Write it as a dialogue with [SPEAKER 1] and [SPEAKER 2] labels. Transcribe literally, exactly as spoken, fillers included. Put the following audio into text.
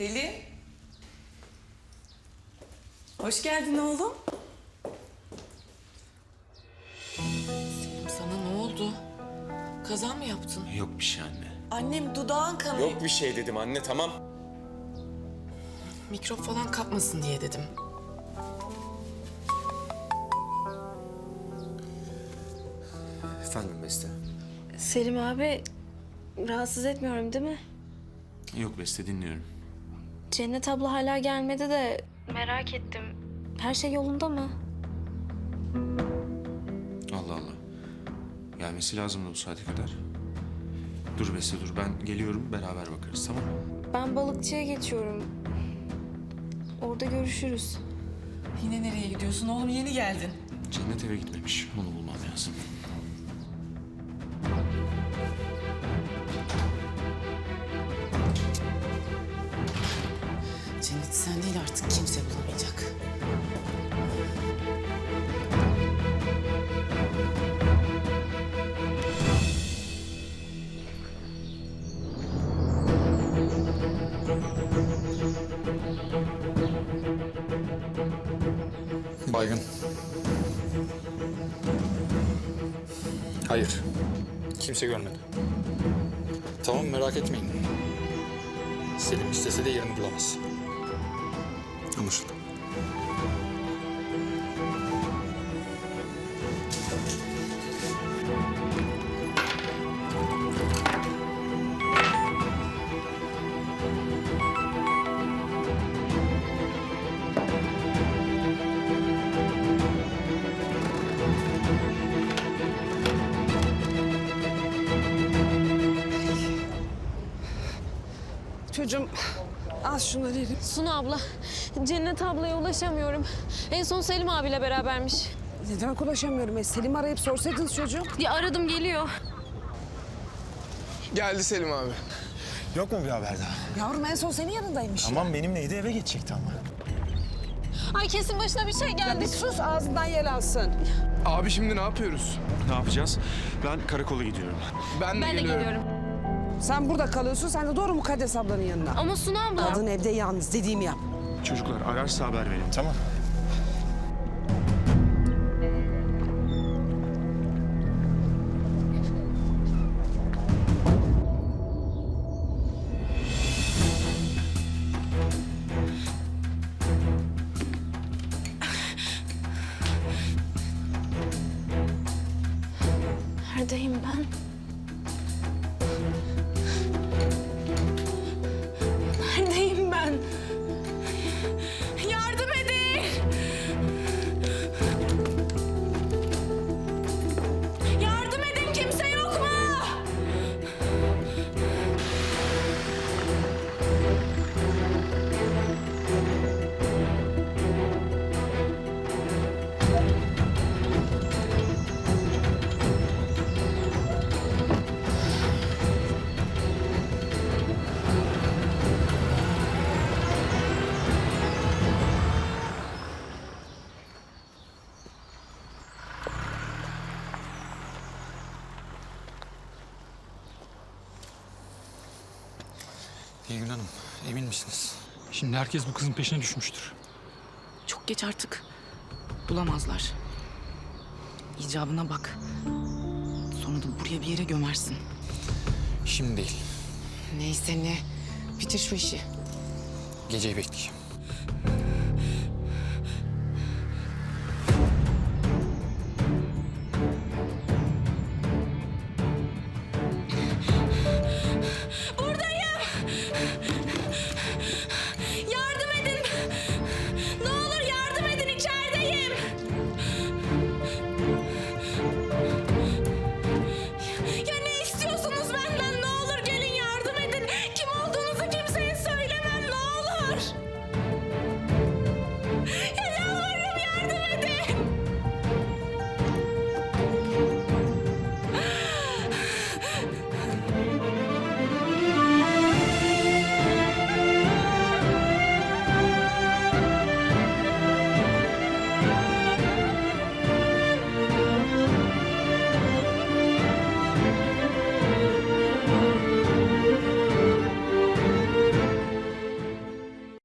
[SPEAKER 1] Selim. Hoş geldin oğlum.
[SPEAKER 2] Selim, sana ne oldu? Kaza mı yaptın?
[SPEAKER 3] Yok bir şey anne.
[SPEAKER 1] Annem dudağın kanıyor.
[SPEAKER 3] Yok bir şey dedim anne, tamam.
[SPEAKER 2] Mikrop falan kapmasın diye dedim.
[SPEAKER 3] Efendim Beste.
[SPEAKER 4] Selim abi, rahatsız etmiyorum değil mi?
[SPEAKER 3] Yok Beste, dinliyorum.
[SPEAKER 4] Cennet abla hala gelmedi de merak ettim. Her şey yolunda mı?
[SPEAKER 3] Allah Allah. Gelmesi lazımdı bu saate kadar. Dur Beste dur, ben geliyorum, beraber bakarız, tamam mı?
[SPEAKER 4] Ben balıkçıya geçiyorum. Orada görüşürüz.
[SPEAKER 1] Yine nereye gidiyorsun oğlum? Yeni geldin.
[SPEAKER 3] Cennet eve gitmemiş, onu bulmam lazım.
[SPEAKER 2] Cennet sen değil, artık kimse bulamayacak.
[SPEAKER 5] Baygın. Hayır. Kimse görmedi. Tamam, merak etmeyin. Selim istese de yerini bulamaz. Anlaşıldı.
[SPEAKER 6] Çocuğum al şunları elim.
[SPEAKER 4] Sunu abla, Cennet ablaya ulaşamıyorum. En son Selim abiyle berabermiş.
[SPEAKER 6] Ne demek ulaşamıyorum? E, Selim arayıp sorsaydınız çocuğum.
[SPEAKER 4] Ya aradım, geliyor.
[SPEAKER 7] Geldi Selim abi.
[SPEAKER 8] Yok mu bir haber daha?
[SPEAKER 6] Yavrum en son senin yanındaymış.
[SPEAKER 8] Tamam benimleydi, eve geçecekti ama.
[SPEAKER 4] Ay kesin başına bir şey
[SPEAKER 6] Ya
[SPEAKER 4] geldi.
[SPEAKER 6] bir sus, ağzından yel alsın.
[SPEAKER 7] Abi şimdi ne yapıyoruz?
[SPEAKER 8] Ne yapacağız? Ben karakola gidiyorum.
[SPEAKER 7] Ben de
[SPEAKER 4] Ben de
[SPEAKER 7] geliyorum.
[SPEAKER 4] geliyorum.
[SPEAKER 6] Sen burada kalıyorsun, sen de doğru Mukaddes ablanın yanına.
[SPEAKER 4] Ama Sunu abla.
[SPEAKER 6] Kadın evde yalnız, dediğimi yap.
[SPEAKER 8] Çocuklar ararsa haber verin, tamam?
[SPEAKER 4] Neredeyim ben? Neredeyim ben? Yardım edin! Yardım edin, kimse yok mu?
[SPEAKER 5] Nilgün Hanım, emin misiniz?
[SPEAKER 9] Şimdi herkes bu kızın peşine düşmüştür.
[SPEAKER 2] Çok geç artık. Bulamazlar. İcabına bak. Sonra da buraya bir yere gömersin.
[SPEAKER 5] Şimdi değil.
[SPEAKER 2] Neyse ne. Bitir şu işi.
[SPEAKER 5] Geceyi bekleyeceğim.